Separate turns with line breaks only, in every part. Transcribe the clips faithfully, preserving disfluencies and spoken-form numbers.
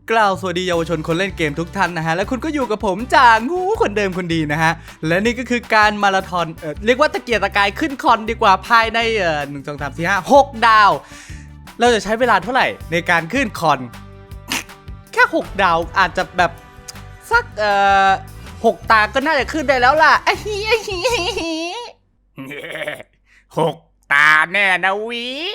กล่าวสวัสดีเยาวชนคนเล่นเกมทุกท่านนะฮะและคุณก็อยู่กับผมจ่างูคนเดิมคนดีนะฮะและนี่ก็คือการมาราธอนเอ่อเรียกว่าตะเกียกตะกายขึ้นคอนดีกว่าภายในเอ่อหนึ่งสองสามสี่ห้าหกดาวเราจะใช้เวลาเท่าไหร่ในการขึ้นคอน แค่หกดาวอาจจะแบบสักเอ่อหกตาก็น่าจะขึ้นได้แล้วล่ะ
หกตาแน่นะวิ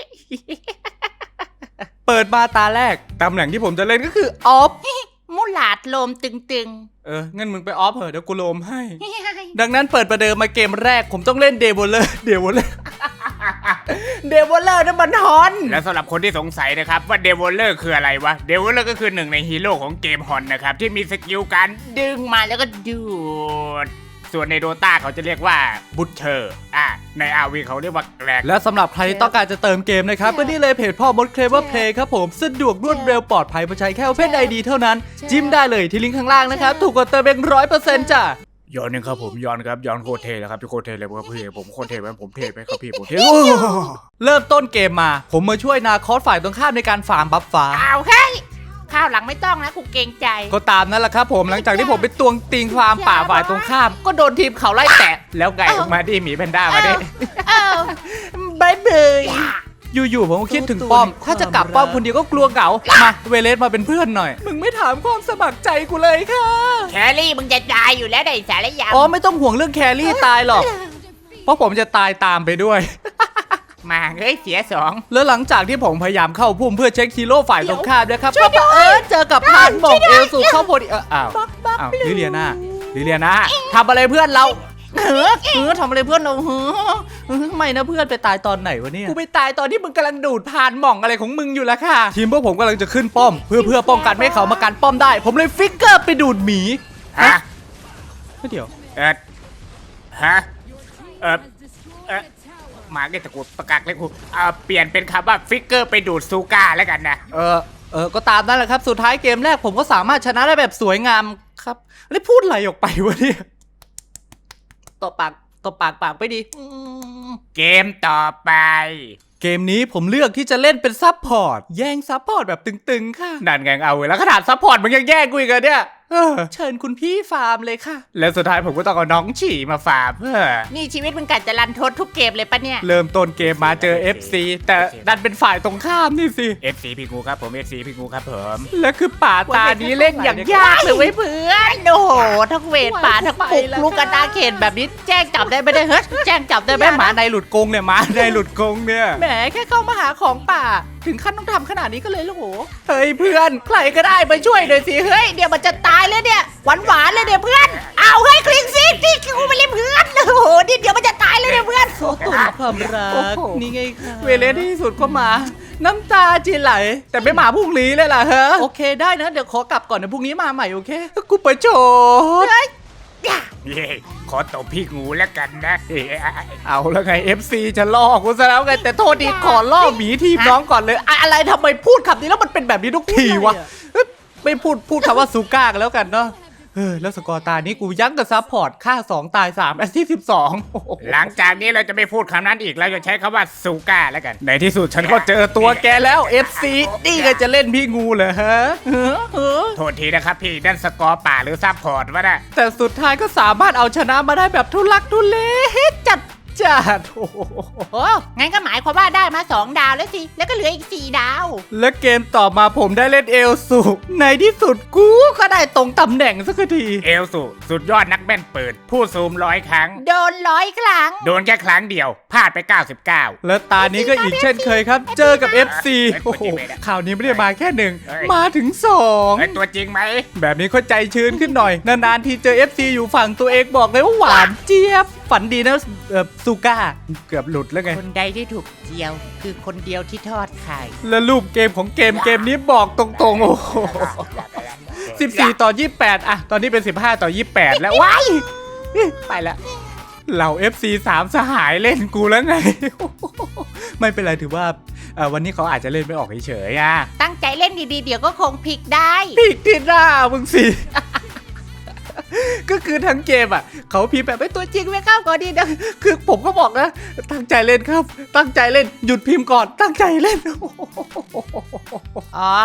เปิดมาตาแรกตำแหน่งที่ผมจะเล่นก็คือออฟ
มุหลาดโลมตึง
เอองั้นมึงไปออฟเหอะเดี๋ยวกูโลมให้
ๆ
ดังนั้นเปิดประเดิมมาเกมแรกผมต้องเล่นเดวอลเลอร์เดวอลเลอร์ เดวอลเลอร์นั่นมันฮอน
และสำหรับคนที่สงสัยนะครับว่าเดวอลเลอร์คืออะไรวะเดวอลเลอร์ก็คือหนึ่งในฮีโร่ของเกมฮอนนะครับที่มีสกิลการดึงมาแล้วก็ดูดส่วนในโดตาเขาจะเรียกว่าบุชเชอร์อ่ะใน อาร์ วี เขาเรียกว่าแกลก
และสำหรับใครที่ต้องการจะเติมเกมนะครับก็นี่เลยเพจพ่อมดเคลเวอร์เพลย์ครับผมสะดวกรวดเร็วปลอดภัยเพราะใช้แค่ Open ไอ ดี เท่านั้นจิ้มได้เลยที่ลิงก์ข้างล่างนะครับถูกกว่าเติมเองร้อยเปอร์เซ็นต์จ้ะ
ย้อนนึงครับผมย้อนครับย้อนโคตรเทเลยครับพี่โคตรเทเลยครับพี่ผมโคตรเทไหมผมเทไหมครับพี่ผมเท
เริ่มต้นเกมมาผมมาช่วยนาคอสฝ่ายตรงข้ามในการฟาร์มบัฟฟ้า
เอาเฮ้ยข้าวหลังไม่ต้องนะกูเกรงใจ
ก็ตามนั่นแหละครับผมหลังจากที่ผมไปตวงติงฟาร์มป่าฝ่ายตรงข้าม ก็โดนทีมเขาไล่แตะ
แล้วไงมาดิหมีแพนด้ามาดิ
เอ้า
บายบายอยู่ๆผมก็คิดถึงป้อม ถ้าจะกลับป้อมคนเดียวก็กลัวเหงามาเวเลสมาเป็นเพื่อนหน่อยมึงไม่ถามความสมัครใจกูเลยค่ะ
แครี่มึงจะตายอยู่แล้วได้สารยาม
อ๋อไม่ต้องห่วงเรื่องแครี่ตายหรอกเพราะผมจะตายตามไปด้วย
มาเฮ้ยเสียสอง
แล้วหลังจากที่ผมพยายามเข้าพุ่มเพื่อเช็คฮีโร่ฝ่ายตรงข้ามนะครับก็บังเออเจอกับพานหมองเอลสูเข้าพอดีเอออ้าวอ้าวลิเลียนาลิเลียนาทำอะไรเพื่อนเราเออเออทำอะไรเพื่อนเราเออเออไม่นะเพื่อนไปตายตอนไหนวะเนี่ยกูไปตายตอนที่มึงกำลังดูดพานหม่องอะไรของมึงอยู่แล้วค่ะทีมพวกผมกำลังจะขึ้นป้อม เพื่อเพื่อป้องกันไม่ให้เขามากันป้อมได้ ผมเลยฟิกเกอร์ไปดูดหมี
ฮะ
เดี๋ยว
เออฮะเออเออมาเก็ตะกูประกาศเลยกูเออเปลี่ยนเป็นคำว่าฟิกเกอร์ไปดูดซูก้าแล้วกันนะ
เออเออก็ตามนั่นแหละครับสุดท้ายเกมแรกผมก็สามารถชนะได้แบบสวยงามครับแล้วพูดอะไรออกไปวะเนี่ยตบปากตบปากปากไปดี
เกมต่อไป
เกมนี้ผมเลือกที่จะเล่นเป็นซับพอร์ตแย่งซับพอร์ตแบบตึงๆค่ะ
นั่นไงเอาแล้วขนาดซัพพอร์ตมันยังแย่งกูอีกเหรอเนี่ย
เออเชิญคุณพี่ฟาร์มเลยค่ะ
แล้วสุดท้ายผมก็ต้องเอาน้องฉี่มาฝากเพื่อ
นี่ชีวิตมึงกัดจะรันทดทุกเกมเลยปะเนี่ย
เริ่มต้นเกมมาเจอ เอฟ ซี แต่ดันเป็นฝ่ายตรงข้ามนี่สิ
เอฟซีพี่งูครับผม เอฟซี พี่งูครับผม
และคือป่าตานี้เล่นอย่างยากเลยเว้ย
เพื่อนโอ้โหทั้งเวทป่าทั้งปุกลูกกระตาเขนแบบนี้แจ้งจับได้ไม่ได้เฮ้ยแจ้งจับได้ไหม
แม่ห
ห
มา
มา
ในหลุดกรงเนี่ยหมาในหลุดกรงเนี่ย
แหมแค่เข้ามาหาของป่า ถึงขั้นต้องทำขนาดนี้ก็เลยโอ้โห
เฮ้ยเพื่อน
ใครก็ได้มาช่วยหน่อยสิเฮ้ยเดี๋ยวมันจะตายเลยเนี่ยหวานหวานๆเลยเนี่ยเพื่อนเอาเฮ้ยคลิงซิที่กูไปเล่นเพื่อนโอ้โหนี่เดี๋ยวมันจะตายเลยเนี่ยเพื่อน
โอ้ตุ่นความรัก
โอ้โห
นี่ไงค่ะเวเลสที่สุดก็มา น้ำตาจีไหล แต่ไม่มาพรุ่งนี้เลยล่ะเฮ้โอเคได้นะ เดี๋ยวขอกลับก่อนนะพรุ่งนี้มาใหม่โอเค กูไปโชว์
เย้ขอตบพี่งูแล้วกันนะเอ้ย
เอาแล้วไง เอฟ ซี จะล่อกูซะแล้วไง แต่โทษดีขอล่อหมีทีมน้องก่อนเลยอะอะไรทำไมพูดคำนี้แล้วมันเป็นแบบนี้ทุกทีวะเอ้ยไม่พูดพูดคำว่าซูก้ากันแล้วกันเนาะเออแล้วสกอร์ตานี้กูยั้งกับซัพพอร์ตค่าสองตายสามแอสซิสต์สิบสองโอ้โห
หลังจากนี้เราจะไม่พูดคำนั้นอีกเราจะใช้คำว่าซูก้าแล้วกัน
ในที่สุดฉันก็เจอตัวแกแล้ว เอฟ ซี นี่ก็จะเล่นพี่งูเหรอฮะเออเออ
โทษทีนะครับพี่นั่นสกอร์ป่าหรือซับพอร์ตวะน่ะ
แต่สุดท้ายก็สามารถเอาชนะมาได้แบบทุลักทุเลจัดจัดโอ้โห
โอ้งั้นก็หมายความว่าได้มาสองดาวแล้วสิแล้วก็เหลืออีกสี่ดาว
และเกมต่อมาผมได้เล่นเอลสูในที่สุดกูก็ได้ตรงตำแหน่งสักที
เอลสุสุดยอดนักแม่นปืนผู้ซูมร้อยครั้ง
โดนร้อยครั้ง
โดนแค่ครั้งเดียวพลาดไปเก้าสิบเก้า
และตานี้ก็อีกเช่นเคยครับ เจอกับ เอฟ ซี โอ้โหข่าวนี้ไม่ได้มาแค่หนึ่ง
เอ้ย
มาถึงสอง
เฮ้ยตัวจริงไหม
แบบนี้ก็ใจชื้นขึ้นหน่อย นานๆทีเจอ เอฟ ซี อยู่ฝั่งตัวเองบอกเลยว่าหวานเจี๊ยบ ฝันดีนะเอ่อซูก้า เกือบหลุดแล้วไง
คนใดที่ถูกเจียว คือคนเดียวที่ทอดไข่
และรูปเกมของเกมเกมนี้บอกตรงๆ โอ้โหสิบสี่ต่อยี่สิบแปดอะตอนนี้เป็นสิบห้าต่อยี่สิบแปดแล้วว้ายไปละเหล่า เอฟ ซี สามสหายเล่นกูแล้วไง ไม่เป็นไรถือว่าเอ่อวันนี้เขาอาจจะเล่นไม่ออกเฉยๆอะ
ตั้งใจเล่นดีๆ เดี๋ยวก็คงพลิกได้
พีกที่หน้ามึงสิ ก็คือทั้งเกมอ่ะเขาพิมพ์แบบไม่ตัวจริงไม่เข้าก่อนดีนะคือผมก็บอกนะตั้งใจเล่นครับ ตั้งใจเล่นหยุดพิมพ์ก่อนตั้งใจเล่น
อ๋อ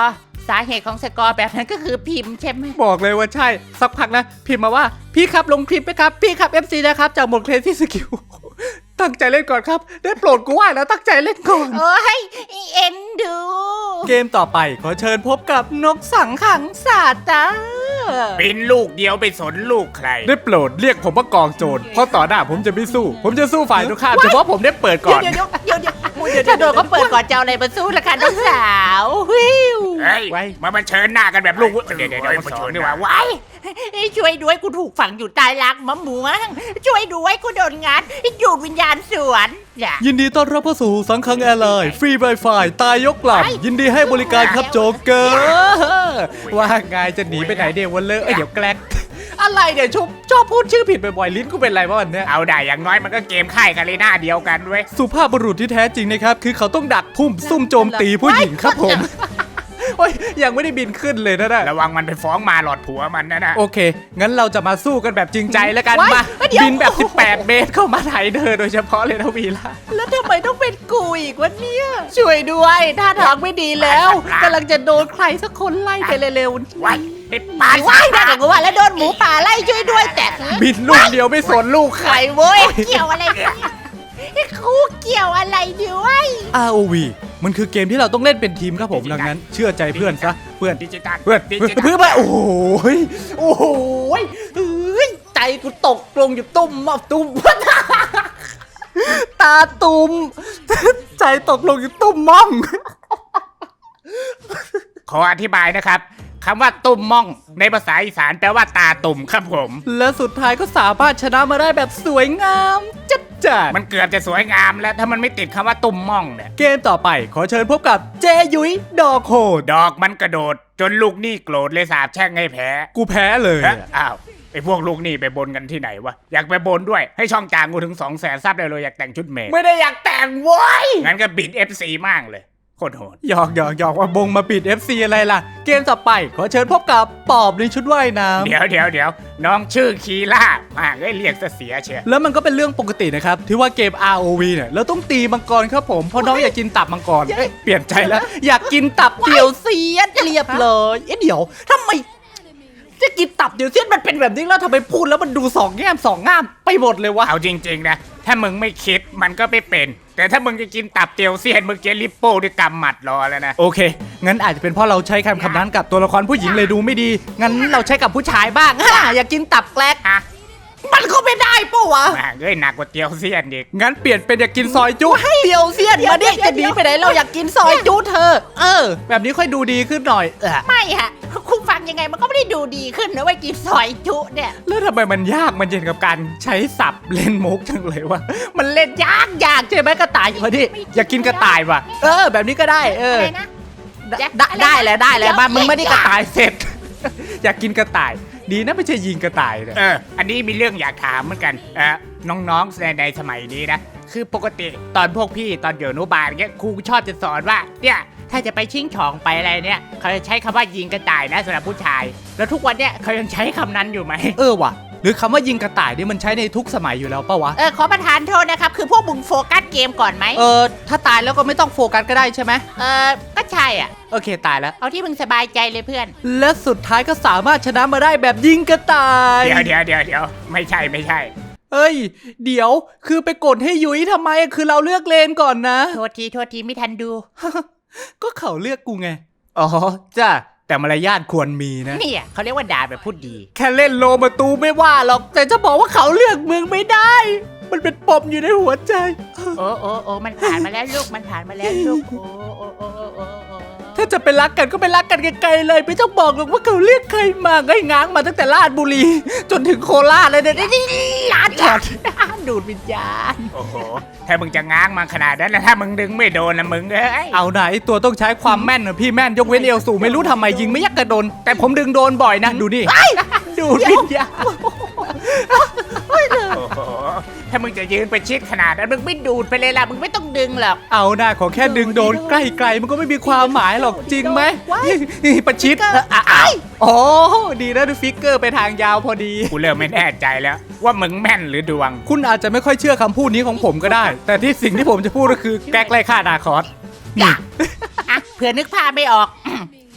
สาเหตุของสกอร์แบบนั้นก็คือพิมพ์ใช่ไหม
บอกเลยว่าใช่สักพักนะพิมพ์มาว่าพี่ครับลงคลิปไหมครับพี่ครับ เอฟ ซี นะครับจากหมดเครซี่สกิล ตั้งใจเล่นก่อนครับได้โปรดกูว่าแล้วตั้งใจเล่นก่อน
โอ้ยเอ็นดู
เกมต่อไปขอเชิญพบกับนกสังขังศาสตร์จ้า
เป็นลูกเดียวไปสนลูกใคร
ได้โปรดเรียกผมว่ากองโจรเพราะต่อหน้าผมจะไม่สู้ ผมจะสู้ฝ่ายตรงข้ามเฉพาะผมได้เปิดก่อน
เดี๋ยวเดี๋ยวเดี๋ยวเดี๋ยวเดี๋ยวถ้าโดนก็เปิดก่อนจะเอาอะไรมาสู้ละคะน้องสาววิว
เฮ้ย
ไว้
มามาเชิญหน้ากันแบบลูกเดี๋ยวเดี๋ยวเดี๋ยวมาสอนดีกว่าว้าย
ช่วยด้วยกูถูกฝังอยู่ใต้รากมะม่วงช่วยด้วยกูโดนงัดอยู่วิญญาณสวนอย่า
ยินดีต้อนรับเข้าสู่สังขังแอร์ไลน์ฟรี Wi-Fi ตายยกลำยินดีให้บริการครับโจ๊กเกอร์ว่าไงจะหนีไปไหนเดี๋ยววันเลอะเอ้ยเดี๋ยวแกล้งอะไรเดี๋ยวชอบชอบพูดชื่อผิดบ่อยๆลิ้นกูเป็นไรวะวันเนี้ย
เอาได้อย่างน้อยมันก็เกมค่ายกันเลยหน้าเดียวกันเว้ย
สุภาพบุรุษที่แท้จริงนะครับ คือเขาต้องดักพุ่มซุ่มโจมตีผู้หญิงครับผมโอ้ยยังไม่ได้บินขึ้นเลยนะนะ
ระวังมันไปฟ้องมาหลอดผัวมันนะนะ
โอเค งั้นเราจะมาสู้กันแบบจริงใจแล้วกัน
ไว้
มา
เดี๋ยว
บินแบบ สิบแปด เมตรเข้ามาไถเธอโดยเฉพาะเลยนะวีล่า
แล้วทำไมต้องเป็นกูอีกวะเนี่ยช่วยด้วยท่าทางไม่ดีแล้วกำลังจะโดนใครสักคนไล่ไปเร็วๆ
ว้ายไอ้ปา
ปา
ด
ว่ายได้กับกูว่าแล้วโดนหมูป่าไล่ช่วยด้วยแต่
บินลูกเดียวไม่สนลูกใค
ใค
ร
รเว้ยเกี่ยวอะไรเนี่ยกูเกี่ยวอะไรด้วย
อาร์ โอ วี มันคือเกมที่เราต้องเล่นเป็นทีมครับผมดังนั้น เชื่อใจเพื่อนซะเพื่อน
ดิจิตอล
เพื่อน
ดิ
เพื่อน
จิตอล
เพื่อนเพื่อนโอ้โหยโอ้โหยเอ้ยใจกูตกลงอยู่ตุ่มอ่ะตุ่ม ตาตุ่ม ใจตกลงอยู่ตุ่มม่อง
ขออธิบายนะครับคำว่าตุ่มม่องในภาษาอีสานแปลว่าตาตุ่มครับผม
และสุดท้ายก็สามารถชนะมาได้แบบสวยงามจัดจัด
มันเกือบจะสวยงามแล้วถ้ามันไม่ติดคำว่าตุ่มม่องเนี่ย
เกมต่อไปขอเชิญพบกับเจยุ้ยดอกโหด
ดอกมันกระโดด จนลูกหนี้โกรธเลยสาบแช่งให้แพ้
กูแพ้เลย
เอ๊ะอ้าวไอ้พวกลูกหนี้ไปบนกันที่ไหนวะอยากไปบนด้วยให้ช่องจางกูถึงสองแสนซับเลยเลยอยากแต่งชุดเมย์
ไม่ได้อยากแต่งโว้ย
งั้นก็บิด เอฟ ซี มากเลยโคตรโหด
หยอกหยอกหยอกว่าบงมาปิด เอฟ ซี อะไรล่ะ เกมต่อไปขอเชิญพบกับปอบในชุดว่ายน้ำ
เดี๋ยวเดี๋ยวเดี๋ยวน้องชื่อคีล่ามาเอ้ยเรียกซะเสียเชีย
แล้วมันก็เป็นเรื่องปกตินะครับ ที่ว่าเกม อาร์ โอ วี เนี่ยเราต้องตีมังกรครับผมเพราะน้องอยากกินตับมังกรเอ้ยเปลี่ยนใจแล้ว อยากกินตับเดี่ยวเสียดเรียบเลยเอ๊ะเดี๋ยวทำไมจะกินตับเดี่ยวเสียดมันเป็นแบบนี้แล้วทำไมพูดแล้วมันดูสองแง่มสองง่ามไปหมดเลยวะ
เอาจริงๆนะถ้ามึงไม่คิดมันก็ไม่เป็น แต่ถ้ามึงจะกินตับเตียวเซียนมึงเจลิปโป้ด้วยกำหมัดรอแล้วนะ
โอเค งั้นอาจจะเป็นเพราะเราใช้คำคำนั้นกับตัวละครผู้หญิงเลยดูไม่ดี งั้นเราใช้กับผู้ชายบ้างฮ่าอยากกินตับแกลก
ฮะ
มันก็ไม่ได้ปะวะ
มาเอ้ยหนักกว่าเตียวเซียนอีก
งั้นเปลี่ยนเป็นอยากกินซอยจุให้เดียวเสียนมาดิจะหนีไปไหนเราอยากกินซอยจุเธอ เออ แบบนี้ค่อยดูดีขึ้นหน่อยเออ
ไม่ฮะคุณฟังยังไงมันก็ไม่ได้ดูดีขึ้นนะว่ากินซอยจุเนี่ย
แล้วทำไมมันยากมันเย็นกับการใช้ศัพท์เล่นมุกจังเลยวะมันเล่นยากยากใช่ไหมกระต่ายมาดิอยากกินกระต่ายว่ะเออ แบบนี้ก็ได้เออ
อะไรนะ
ได้ได้แล้วได้แล้วมามึงไม่ได้กระต่ายเสร็จ อยากกินกระต่าย ดีนะไม่ใช่ยิงกระต่ายเนี่ย
เอออันนี้มีเรื่องอยากถามเหมือนกันเออน้องๆในในสมัยนี้นะคือปกติตอนพวกพี่ตอนเดี๋ยวอนุบาลเงี้ยครูชอบจะสอนว่าเนี่ยถ้าจะไปชิงช่องไปอะไรเนี่ยเขาจะใช้คำว่ายิงกระต่ายนะสำหรับผู้ชาย แล้วทุกวันเนี่ยเขายังใช้คำนั้นอยู่ไหม
เออว่ะ หรือคำว่ายิงกระต่ายนี่มันใช้ในทุกสมัยอยู่แล้วปะวะ
เออขอประทานโทษนะครับคือพวกมึงโฟกัสเกมก่อนไหม
เออถ้าตายแล้วก็ไม่ต้องโฟกัสก็ได้ใช่ไหม
เออก็ใช่อ่ะ
โอเคตายแล้ว
เอาที่มึงสบายใจเลยเพื่อน
และสุดท้ายก็สามารถชนะมาได้แบบยิงกระต่าย
เดี๋ยวเดี๋ยวเดี๋ยวเดี๋ยวไม่ใช่ไม่ใช่
เอ้ย เดี๋ยวคือไปกดให้ยุ้ยทำไมคือเราเลือกเลนก่อนนะ
โทษทีโทษทีไม่ทันดู
ก็เขาเลือกกูไง อ๋อจ้าแต่มารยาทควรมีนะ
เนี่ยเขาเรียกว่าด่าแบบพูดดี
แค่เล่นโลมาตูไม่ว่าหรอก แต่จะบอกว่าเขาเลือกมึงไม่ได้ มันเป็นปมอยู่ในหัวใจ
โอ้โอ้โอ้มันผ่านมาแล้วลูกมันผ่านมาแล้วลูกโอ้โอ้โอ้โอ้โอ้โอ้
ถ้าจะไปรักกันก็ไปรักกันไกลๆเลย ไม่ต้องบอกหรอกว่าเขาเรียกใครมาไงง้างมาตั้งแต่ราชบุรี จนถึงโคราชเลยเนี่ยนี่ร้านจัด
ดูดวิญญาณ
โอ้โหถ้ามึงจะง้างมาขนาดนั้นแล้วถ้ามึงดึงไม่โดนนะมึงเอ้ย
เอาไหนตัวต้องใช้ความแม่นนะพี่แม่นยกเว้นเอลสูไม่รู้ทำไมยิงไม่ยักกระโดน แต่ผมดึงโดนบ่อยนะ ดูนี่ดูดวิญญาณ
โอ้โหถ้ามึงจะยืนไปชิดขนาดนั้นมึงไม่ดูดไปเลยล่ะมึงไม่ต้องดึงหรอก
เอาหน้าขอแค่ดึงโดนใกล้ๆมันก็ไม่มีความหมายหรอกจริงไหมประชิดอ่ะอ้าวโอ้ดีนะดูฟิกเกอร์ไปทางยาวพอดี
กูเริ่มไม่แน่ใจแล้ว ว่ามึงแม่นหรือดวง
คุณอาจจะไม่ค่อยเชื่อคำพูดนี้ของผมก็ได้ แต่ที่สิ่งที่ผมจะพูดก็คือแก๊กไล่ฆ่านาคอสนี่
อ่ะเผื่อนึกภาพไม่ออก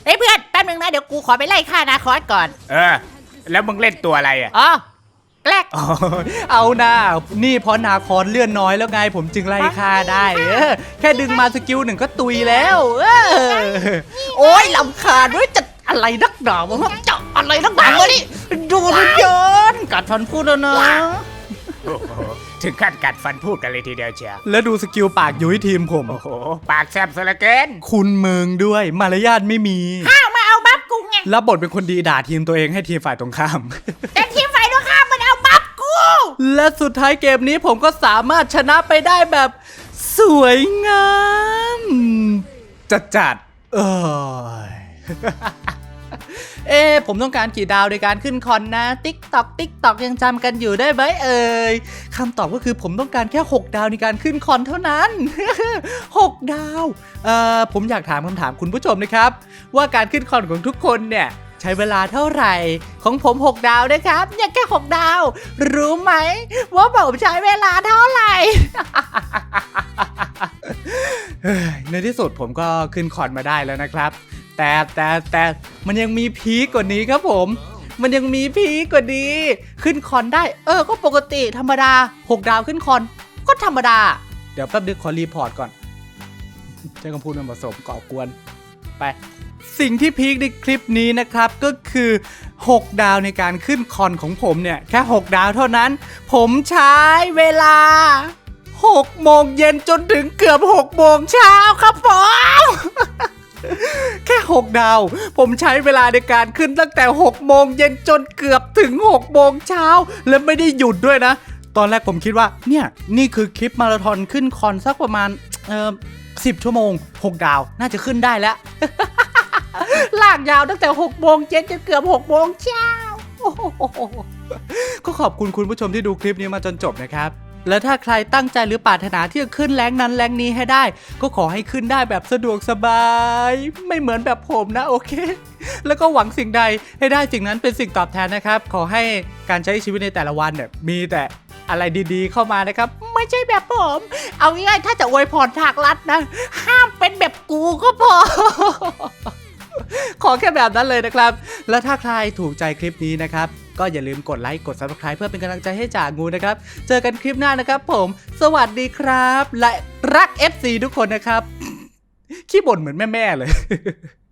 เฮ้ยเพื่อนแป๊บนึงนะเดี๋ยวกูขอไปไล่ฆ่านาคอสก่อน
เออ แล้วมึงเล่นตัวอะไรอ่ะ
อ๋อแกลก
อ๋อเอาหน้านี่เพราะนาคอนเลื่อนน้อยแล้วไงผมจึงไล่ฆ่าได้เออแค่ดึงมาสกิลหนึ่งก็ตุยแล้วเออโอ้ยลำคาญด้วยจะอะไรนักหนาวะจะอะไรนักหนาวะนี่ดูมันเยินกัดฟันพูดแล้วนะ
โอ้โหถึงขั้นกัดฟันพูดกันเลยทีเดียวเชียว
แล้วดูสกิลปากยุ้ยทีมผม
โอ้โห ปากแซบซะเหลือเกิน
คุณเมืองด้วยมารยาทไม่มี
ข้าวมาเอาบัฟกูไง
รับบทเป็นคนดีด่าทีมตัวเองให้ทีมฝ่ายตรงข้าม
แต่ทีมฝ่ายตรงข้ามมันเอาบัฟกู
และสุดท้ายเกมนี้ผมก็สามารถชนะไปได้แบบสวยงามจัดจัดๆเอ้ย เอ๊ะผมต้องการกี่ดาวในการขึ้นคอนนะ ติ๊กตอกติ๊กตอกยังจำกันอยู่ได้ไหมเอ่ยคำตอบก็คือผมต้องการแค่หกดาวในการขึ้นคอนเท่านั้น หกดาวเอ่อผมอยากถามคำถามคุณผู้ชมนะครับ ว่าการขึ้นคอนของทุกคนเนี่ยใช้เวลาเท่าไหร่ ของผมหกดาวนะครับเนี่ยแค่หกดาว รู้ไหมว่าผมใช้เวลาเท่าไหร่ เฮ้ยในที่สุดผมก็ขึ้นคอนมาได้แล้วนะครับ แต่แต่แต่มันยังมีพีคกว่านี้ครับผม มันยังมีพีคกว่านี้ ขึ้นคอนได้ เออ ก็ปกติธรรมดาหกดาวขึ้นคอน ก็ธรรมดา เดี๋ยวแป๊บนึงขอรีพอร์ตก่อน ใช้คำพูดมันผสมก่อกวน ไป สิ่งที่พีคในคลิปนี้นะครับก็คือหกดาวในการขึ้นคอนของผมเนี่ยแค่หกดาวเท่านั้น ผมใช้เวลาหกโมงเย็นจนถึงเกือบหกโมงเช้าครับผม แค่หกดาวผมใช้เวลาในการขึ้นตั้งแต่หกโมงเย็นจนเกือบถึงหกโมงเช้าและไม่ได้หยุดด้วยนะ ตอนแรกผมคิดว่าเนี่ยนี่คือคลิปมาราธอนขึ้นคอนสักประมาณเอ่อสิบชั่วโมงหกดาวน่าจะขึ้นได้แล้ว ลากยาวตั้งแต่หกโมงเย็นจนเกือบหกโมงเช้า ก็ขอบคุณคุณผู้ชมที่ดูคลิปนี้มาจนจบนะครับ แล้วถ้าใครตั้งใจหรือปรารถนาที่จะขึ้นแรงนั้นแรงนี้ให้ได้ ก็ขอให้ขึ้นได้แบบสะดวกสบาย ไม่เหมือนแบบผมนะโอเค แล้วก็หวังสิ่งใดให้ได้สิ่งนั้นเป็นสิ่งตอบแทนนะครับ ขอให้การใช้ชีวิตในแต่ละวันเนี่ยมีแต่อะไรดีๆเข้ามานะครับ ไม่ใช่แบบผม เอาง่ายๆถ้าจะอวยพรทางลัดนะ ห้ามเป็นแบบกูก็พอ ขอแค่แบบนั้นเลยนะครับ และถ้าใครถูกใจคลิปนี้นะครับ ก็อย่าลืมกดไลค์ กด ซับสไครบ์ เพื่อเป็นกำลังใจให้จ่างูนะครับ เจอกันคลิปหน้านะครับผม สวัสดีครับ และรัก เอฟ ซี ทุกคนนะครับ ขี้บ่นเหมือนแม่ๆเลย